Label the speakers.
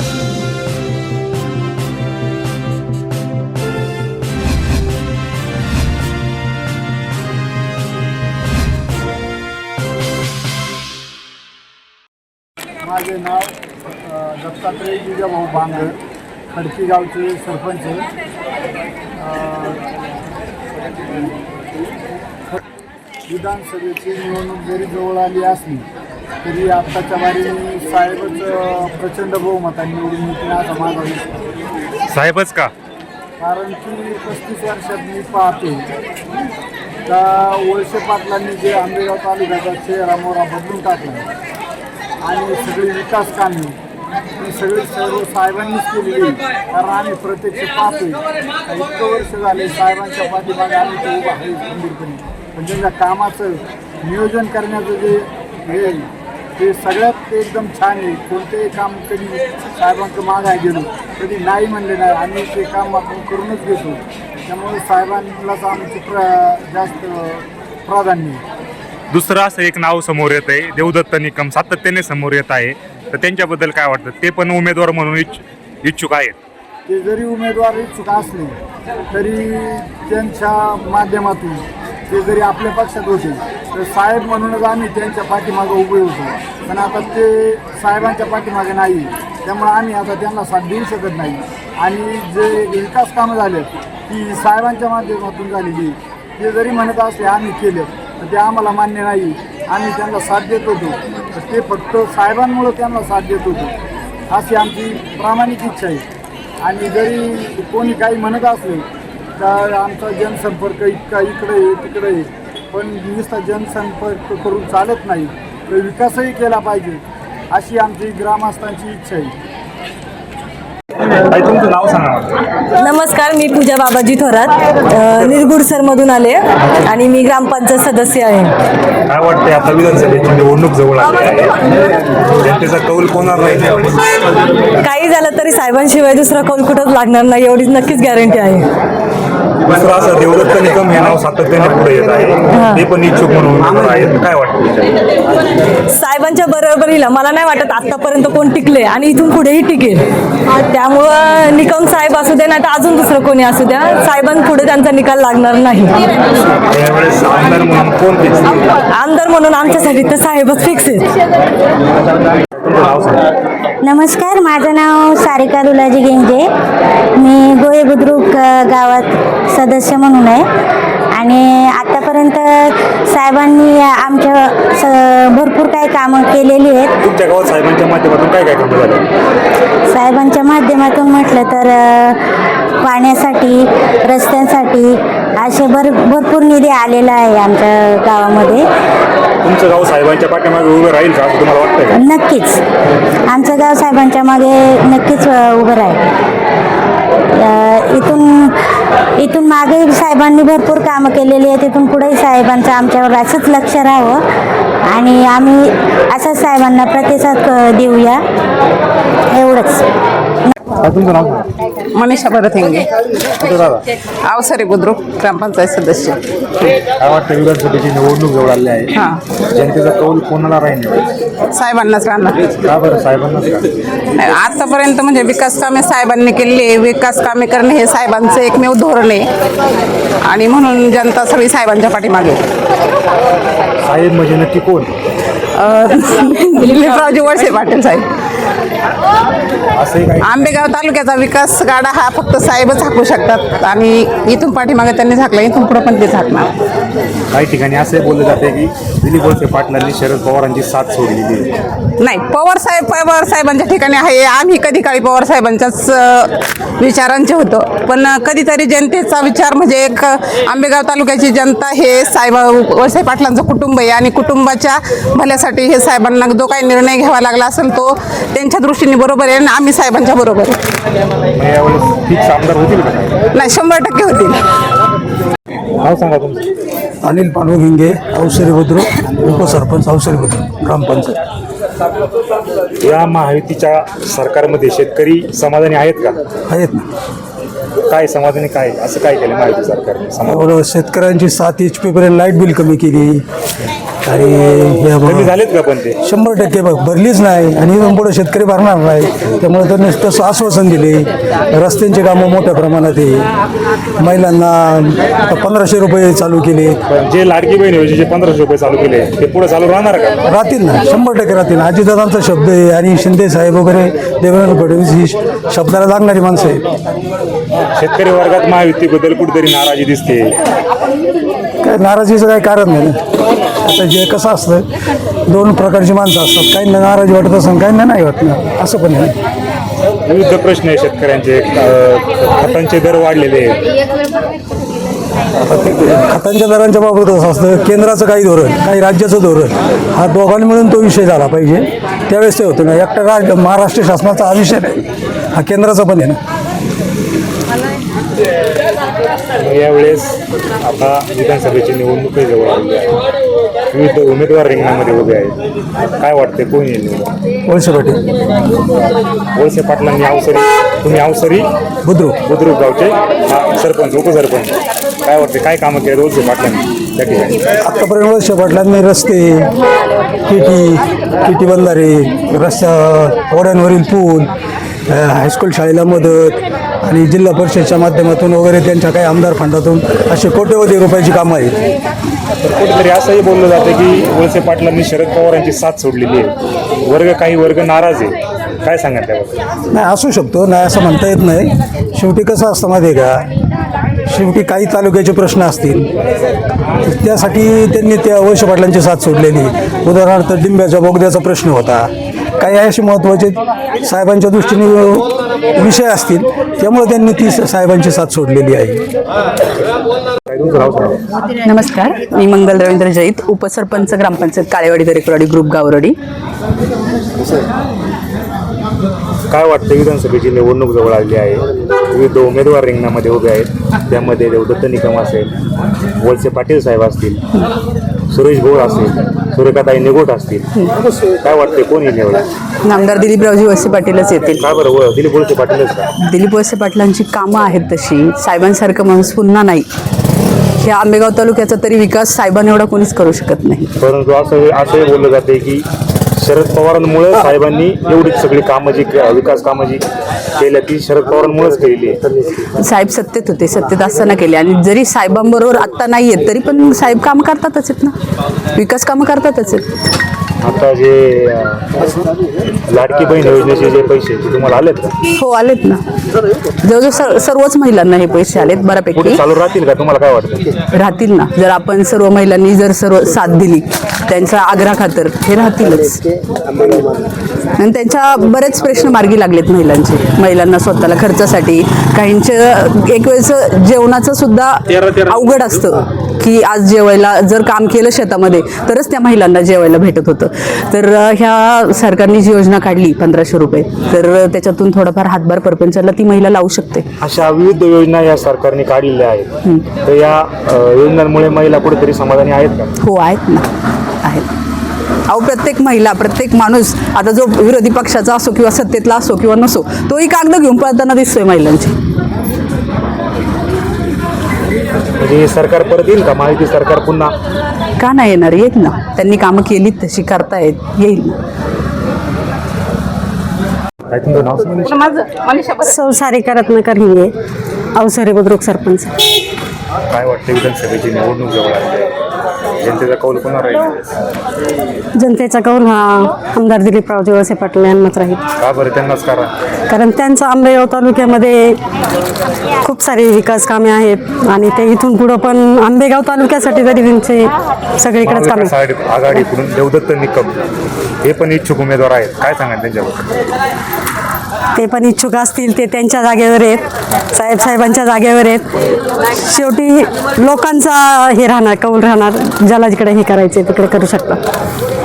Speaker 1: माझे नाव दत्तात्रय जिजाभाऊ बांगर, खडकी गावचे सरपंच. विधानसभेची निवडणूक जरी जवळ आली असली तरी आत्ताच्या बारीने साहेबच प्रचंड बहुमताने निवडून येतील असा माझा विश्वास.
Speaker 2: साहेबच का?
Speaker 1: कारण की 35 वर्षात मी पाहते का वळसे पाटलांनी जे आंबेगाव तालुक्याचा चेहरा-मोहरा बदलून टाकला आणि सगळी विकास कामे ही सगळी सर्व साहेबांनीच केलेली. कारण आम्ही प्रत्यक्ष पाहतोय इतकं वर्ष झाले साहेबांच्या पाठीमागे आम्ही ते उभा आहे खंबीरपणे. पण त्यांच्या कामाचं नियोजन करण्याचं जे हे आहे ते सगळ्यात एकदम छान आहे. कोणतेही काम कधी साहेबांचं मागाय गेलो कधी नाही म्हणले नाही, आम्ही ते काम आपण करूनच घेतो. त्यामुळे साहेबांनाच आमचं जास्त प्राधान्य आहे.
Speaker 2: दुसरं असं एक नाव समोर येत आहे, देवदत्त निकम सातत्याने समोर येत आहे, तर त्यांच्याबद्दल काय वाटतं? ते पण उमेदवार म्हणून इच्छुक आहेत.
Speaker 1: ते जरी उमेदवार इच्छुक असले तरी त्यांच्या माध्यमातून ते जरी आपल्या पक्षात होते तर साहेब म्हणूनच आम्ही त्यांच्या पाठीमागं उभे होतो. पण आता ते साहेबांच्या पाठीमागे नाही, त्यामुळे आम्ही आता त्यांना साथ देऊ शकत नाही. आणि जे विकास कामं झाले ती साहेबांच्या माध्यमातून झालेली ते जरी म्हणत असले आम्ही केले तर ते आम्हाला मान्य नाही. आम्ही त्यांना साथ देत होतो तर ते फक्त साहेबांमुळं त्यांना साथ देत होतो अशी आमची प्रामाणिक इच्छा आहे. आणि जरी कोणी काही म्हणत असले तर आमचा जनसंपर्क इतका इकडे आहे तिकडे आहे, पण नुसता जनसंपर्क करून चालत नाही, तर विकासही केला पाहिजे अशी आमची ग्रामस्थांची इच्छा आहे.
Speaker 2: तुमचं नाव सांगा.
Speaker 3: नमस्कार, मी पूजा बाबाजी थोरात निरगुडसरमधून आले आणि मी ग्रामपंचायत सदस्य आहे.
Speaker 2: काय वाटतंय आता विधानसभेची निवडणूक जवळ आली आहे, जनतेचा कौल कोणाला राहील?
Speaker 3: काही झालं तरी साहेबांशिवाय दुसरा कौल कुठंच लागणार नाही एवढीच नक्कीच गॅरंटी आहे.
Speaker 2: दुसरं असं देवदत्त निकम हे नाव सातत्याने पुढे येत आहे, ते पण इच्छुक म्हणून आहेत. काय वाटतं?
Speaker 3: साहेबांच्या बरोबरीला मला नाही वाटत आतापर्यंत कोण टिकले आणि इथून पुढेही टिकेल. त्यामुळं निकम साहेब असू दे नाही तर अजून दुसरं कोणी असू द्या, साहेबांपुढे त्यांचा निकाल लागणार नाही.
Speaker 2: यावेळेस आमदार म्हणून कोण फिक्स?
Speaker 3: आमदार म्हणून आमच्यासाठी तर साहेबच फिक्स आहेत.
Speaker 4: नमस्कार, माझं नाव सारिका दुलाजी गेंजे. मी गोहे बुद्रुक गावात सदस्य म्हणून आहे आणि आतापर्यंत साहेबांनी आमच्या भरपूर काही कामं केलेली आहेत.
Speaker 2: तुमच्या गावात साहेबांच्या माध्यमातून काय काय कामं झाली?
Speaker 4: साहेबांच्या माध्यमातून म्हटलं तर पाण्यासाठी, रस्त्यांसाठी असे भरपूर निधी आलेला आहे आमच्या गावामध्ये.
Speaker 2: तुमचं गाव साहेबांच्या पाठीमागे उभं राहील का असं तुम्हाला वाटतं का?
Speaker 4: नक्कीच आमचं गाव साहेबांच्या मागे नक्कीच उभं राहील. इथून मागे साहेबांनी भरपूर कामं केलेली आहेत. इथून पुढेही साहेबांचं आमच्यावर असंच लक्ष राहावं आणि आम्ही असंच साहेबांना प्रतिसाद देऊया, एवढंच.
Speaker 2: तुमचं नाव?
Speaker 5: मनीषा भरत हिंगे,
Speaker 2: कुठं दादा?
Speaker 5: अवसरे बुद्रुक ग्रामपंचायत सदस्य.
Speaker 2: काय वाटतं विधानसभेची निवडणूक जवळ आली आहे, जनतेचा कौल कोणाला राहील?
Speaker 5: साहेबांनाच राहणार.
Speaker 2: का बरं साहेबांनाच का?
Speaker 5: आतापर्यंत म्हणजे विकास कामे साहेबांनी केलेली आहे. विकास कामे करणे हे साहेबांचं एकमेव धोरण आहे आणि म्हणून जनता सगळी साहेबांच्या पाठीमागे.
Speaker 2: साहेब म्हणजे नक्की कोण?
Speaker 5: दिलीपरावजी वळसे पाटील साहेब.
Speaker 2: असंही काही
Speaker 5: आंबेगाव तालुक्याचा विकास गाडा हा फक्त साहेबच हाकू शकतात आणि इथून पाठीमागे त्यांनी झाकला, इथून पुढे पण ते झाकणार.
Speaker 2: काही ठिकाणी असे बोलले जाते की दिलीप वळसे पाटलांनी शरद पवारांची साथ सोडलेली आहे.
Speaker 5: नाही, पवार साहेबांच्या ठिकाणी आहे. आम्ही कधी काळी पवार साहेबांच्याच विचारांचे होतो, पण कधीतरी जनतेचा विचार म्हणजे एक आंबेगाव तालुक्याची जनता हे वळसे पाटलांचं कुटुंब आहे आणि कुटुंबाच्या भल्यासाठी हे साहेबांना जो काही निर्णय घ्यावा लागला असेल तो त्यांच्या दृष्टीने बरोबर आहे आणि आम्ही साहेबांच्या बरोबर आहे.
Speaker 2: यावेळेस फिक्स आमदार होतील का?
Speaker 5: नाही, 100% होतील.
Speaker 2: नाव सांगा तुमचं?
Speaker 6: अनिल पांडू हिंगे, अवसरे बुद्रुक, उपसरपंच अवसरे बुद्रुक ग्रामपंचायत.
Speaker 2: या महायुतीच्या सरकारमध्ये शेतकरी समाधानी आहेत का?
Speaker 6: आहेत ना.
Speaker 2: काय समाधानी, काय असं काय केलं महायुती सरकारने?
Speaker 6: शेतकऱ्यांची 7 HP पर्यंत लाईट बिल कमी केली, आणि हे
Speaker 2: कमी झालेत का पण ते
Speaker 6: 100% भरलीच नाही आणि इथून पुढे शेतकरी भरणार नाही. त्यामुळे त्यांनी तसं आश्वासन दिले. रस्त्यांची कामं मोठ्या प्रमाणात आहे. महिलांना 1500 रुपये चालू केले.
Speaker 2: पण जे लाडकी बहीण योजनेचे 1500 रुपये चालू केले ते पुढे चालू राहणार का?
Speaker 6: राहतील ना, 100% राहतील. अजितदादांचा शब्द आहे आणि शिंदे साहेब वगैरे देवेंद्र फडणवीस ही शब्दाला लागणारी माणसं आहेत.
Speaker 2: शेतकरी वर्गात महायुतीबद्दल कुठेतरी नाराजी दिसते.
Speaker 6: काय नाराजीचं काही कारण नाही ना. आता जे कसं असतं, दोन प्रकारची माणसं असतात. काहींना नाराजी वाटत असेल, काहींना नाही वाटणार, असं पण आहे.
Speaker 2: विविध प्रश्न आहे शेतकऱ्यांचे. खतांचे दर वाढलेले आहेत.
Speaker 6: खतांच्या दरांच्या बाबत असं असतं, केंद्राचं काही धोरण, काही राज्याचं धोरण, हा दोघांनी मिळून तो विषय झाला पाहिजे. त्यावेळेस ते होतं ना. एकटा महाराष्ट्र शासनाचा हा विषय नाही, हा केंद्राचा पण आहे ना.
Speaker 2: यावेळेस आता विधानसभेची निवडणूक जवळ आलेली आहे. विविध उमेदवार रिंगणामध्ये उभे आहेत. काय वाटते कोण येईल निवडून?
Speaker 6: वळसे पाटील,
Speaker 2: वळसे पाटलांनी तुम्ही अवसरी बुद्रुक गावचे सरपंच उपसरपंच, काय वाटते काय कामं केले वळसे पाटलांनी त्या ठिकाणी?
Speaker 6: आत्तापर्यंत वळसे पाटलांनी रस्ते, टी बंधारे, रस्त्या ओढ्यांवरील पूल, हायस्कूल शाळेला मदत आणि जिल्हा परिषदच्या माध्यमातून वगैरे त्यांच्या काही आमदार फंडातून असे कोट्यवधी रुपयाची कामं आहेत.
Speaker 2: तर कुठेतरी असंही बोललं जातं की वळसे पाटलांनी शरद पवारांची साथ सोडलेली आहे. काही वर्ग नाराज आहे. काय सांगा त्यावर?
Speaker 6: नाही, असू शकतो, नाही असं म्हणता येत नाही. शेवटी कसं असतं माहिती आहे का, शेवटी काही तालुक्याचे प्रश्न असतील, त्यासाठी त्यांनी त्या वळसे पाटलांची साथ सोडलेली. उदाहरणार्थ डिंब्याच्या बोगद्याचा प्रश्न होता. काही असे महत्त्वाचे साहेबांच्या दृष्टीने विषय असतील, त्यामुळे त्यांनी ती साहेबांची साथ सोडलेली आहे.
Speaker 7: नमस्कार, मी मंगल रवींद्र जैत, उपसरपंच ग्रामपंचायत काळेवाडी दरेकरवाडी ग्रुप गावरडी.
Speaker 2: काय वाटतं? विधानसभेची निवडणूक जवळ आलेली आहे. विविध उमेदवार रिंगणामध्ये उभे आहेत. त्यामध्ये देवदत्त निकम असेल, वळसे पाटील साहेब असतील, सुरेश भोळ असतील, सुरेखाताई निगोट असतील. काय वाटते कोण येईल निवडून?
Speaker 7: नामदार दिलीपरावजी वळसे पाटीलच येतील.
Speaker 2: का बरं दिलीप वळसे पाटीलच का?
Speaker 7: दिलीप वळसे पाटलांची कामं आहेत तशी. साहेबांसारखं माणूस पुन्हा नाही. या आंबेगाव तालुक्याचा तरी विकास साहेबांएवढा कोणीच करू शकत नाही.
Speaker 2: परंतु असंही बोललं जाते की शरद पवारांमुळे साहेबांनी एवढी सगळी कामं जी विकास कामं जी केल्या ती शरद पवारांमुळेच केलेली आहे.
Speaker 7: साहेब सत्तेत होते, सत्तेत असताना केले. आणि जरी साहेबांबरोबर आत्ता नाही आहेत तरी पण साहेब कामं करतातच आहेत ना, विकास कामं करतातच आहेत.
Speaker 2: आता जे लाडकी बहीण योजनेचे जे पैसे ते तुम्हाला आलेत का?
Speaker 7: हो, आलेत ना. जवळजवळ सर्वच महिलांना हे पैसे आलेत बऱ्यापैकी.
Speaker 2: पुढे चालू राहतील का? तुम्हाला काय वाटतं?
Speaker 7: राहतील ना. जर आपण सर्व महिलांनी जर सर्व साथ दिली त्यांचा आग्रह खातर, हे राहतीलच. आणि त्यांच्या बरेच प्रश्न मार्गी लागलेत महिलांना स्वतःला खर्चासाठी. काहींचं एक वेळेचं जेवणाचं सुद्धा अवघड असतं की आज जेवायला जर काम केलं शेतामध्ये तरच त्या महिलांना जेवायला भेटत होतं. तर ह्या सरकारने जी योजना काढली 1500 रुपये, तर त्याच्यातून थोडाफार हातभार परपंचाला ती महिला लावू शकते.
Speaker 2: अशा विविध योजना या सरकारने काढलेल्या आहेत. तर या योजनांमुळे महिला कुठेतरी समाधानी आहेत का?
Speaker 7: हो, आहेत ना, आहेत. अहो, प्रत्येक महिला, प्रत्येक माणूस, आता जो विरोधी पक्षाचा असो किंवा सत्तेतला असो किंवा नसो, तोही कागद घेऊन पळताना दिसतोय महिलांची.
Speaker 2: म्हणजे सरकार परत येईल का? महायुती सरकार पुन्हा
Speaker 7: का नाही येणार? येत ना. त्यांनी कामं केली तशी करतायत, येईल ना.
Speaker 2: काय तुमचं नाव?
Speaker 8: सौ सारिका रत्नाकर हिंगे, अवसरे बुद्रुक सरपंच.
Speaker 2: काय वाटतं? विधानसभेची निवडणूक जवळ आली आहे. जनतेचा कौल कोणावर राहील?
Speaker 8: जनतेचा कौल हा आमदार दिलीपरावजी वळसे पाटील यांनाच राहील.
Speaker 2: का बरं? त्यांनाच
Speaker 8: कारण त्यांचं आंबेगाव तालुक्यामध्ये खूप सारे विकास कामे आहेत आणि ते इथून पुढं पण आंबेगाव तालुक्यासाठी तरी त्यांचे सगळीकडेच कामे.
Speaker 2: आघाडीकडून देवदत्त निकम हे पण इच्छुक उमेदवार आहेत. काय सांगाल त्यांच्याबद्दल?
Speaker 8: ते पण इच्छुक असतील, ते त्यांच्या जागेवर आहेत, साहेबांच्या जागेवर आहेत. शेवटी लोकांचा हे राहणार, कौल राहणार, ज्याला जिकडे हे करायचे तिकडे करू शकतात.